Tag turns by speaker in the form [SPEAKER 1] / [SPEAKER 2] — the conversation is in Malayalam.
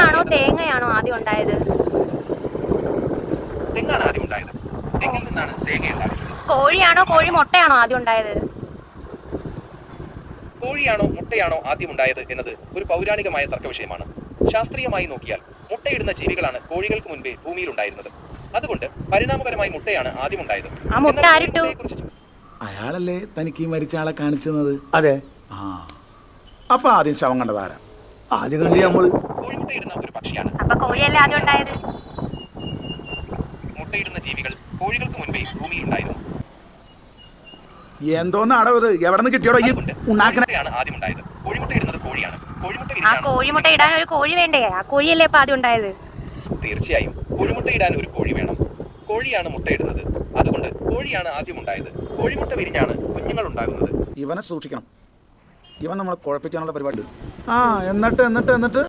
[SPEAKER 1] തെങ്ങാണോ തേങ്ങയാണോ ആദ്യം ഉണ്ടായത്?
[SPEAKER 2] തെങ്ങാണ് ആദ്യം ഉണ്ടായത്. തെങ്ങിൽ നിന്നാണ് തേങ്ങ ഉണ്ടാകുന്നത്.
[SPEAKER 1] കോഴിയാണോ കോഴി മുട്ടയാണോ ആദ്യം ഉണ്ടായത്?
[SPEAKER 2] കോഴിയാണോ മുട്ടയാണോ ആദ്യം ഉണ്ടായത് എന്നത് ഒരു പൗരാണികമായ തർക്ക വിഷയമാണ്. ശാസ്ത്രീയമായി നോക്കിയാൽ മുട്ടയിടുന്ന ജീവികളാണ് കോഴികൾക്ക് മുൻപേ ഭൂമിയിൽ ഉണ്ടായിരുന്നത്. അതുകൊണ്ട് പരിണാമപരമായി മുട്ടയാണ് ആദ്യം ഉണ്ടായത്.
[SPEAKER 1] ആ മുട്ട ആരിട്ടു?
[SPEAKER 3] അയാളല്ലേ തനിക്ക് ഈ മരിച്ച ആളെ കാണിച്ചത്?
[SPEAKER 4] അതെ.
[SPEAKER 3] ആ, അപ്പൊ ആദ്യം ശവം കണ്ടതാരാ?
[SPEAKER 4] ആദ്യം കണ്ടി നമ്മള്.
[SPEAKER 2] കോഴിമുട്ടയിടുന്ന ഒരു പക്ഷിയാണ്.
[SPEAKER 1] അപ്പൊ കോഴിയല്ലേ ആദ്യം ഉണ്ടായത്?
[SPEAKER 2] മുട്ടയിടുന്ന ജീവികൾ കോഴികൾക്ക് മുൻപേ ഭൂമിയിൽ ഉണ്ടായിരുന്നു.
[SPEAKER 3] എന്തോന്ന് അടവ്? എവിടെ നിന്ന് കിട്ടിയോടോ ഈ ഉണ്ടാക്കണ?
[SPEAKER 2] കോഴിമുട്ടയാണ് ആദ്യം ഉണ്ടായത്. കോഴിമുട്ടയിടുന്നത് കോഴിയാണ്. കോഴിമുട്ട
[SPEAKER 1] ആ
[SPEAKER 2] വിരിഞ്ഞാണ്.
[SPEAKER 1] കോഴിമുട്ട ഇടാൻ ഒരു കോഴി വേണ്ടേ? ആ കോഴിയല്ലേ ഇപ്പൊ ആദ്യം ഉണ്ടായത്?
[SPEAKER 2] തീർച്ചയായും കോഴിമുട്ടയിടാൻ ഒരു കോഴി വേണം. കോഴിയാണ് മുട്ടയിടുന്നത്. അതുകൊണ്ട് കോഴിയാണ് ആദ്യം ഉണ്ടായത്. കോഴിമുട്ട വിരിഞ്ഞാണ് കുഞ്ഞുങ്ങൾ ഉണ്ടാകുന്നത്.
[SPEAKER 3] ഇവനെ സൂക്ഷിക്കണം. ഇവൻ നമ്മളെ കുഴപ്പിക്കാനുള്ള പരിപാടി. ആ, എന്നിട്ട്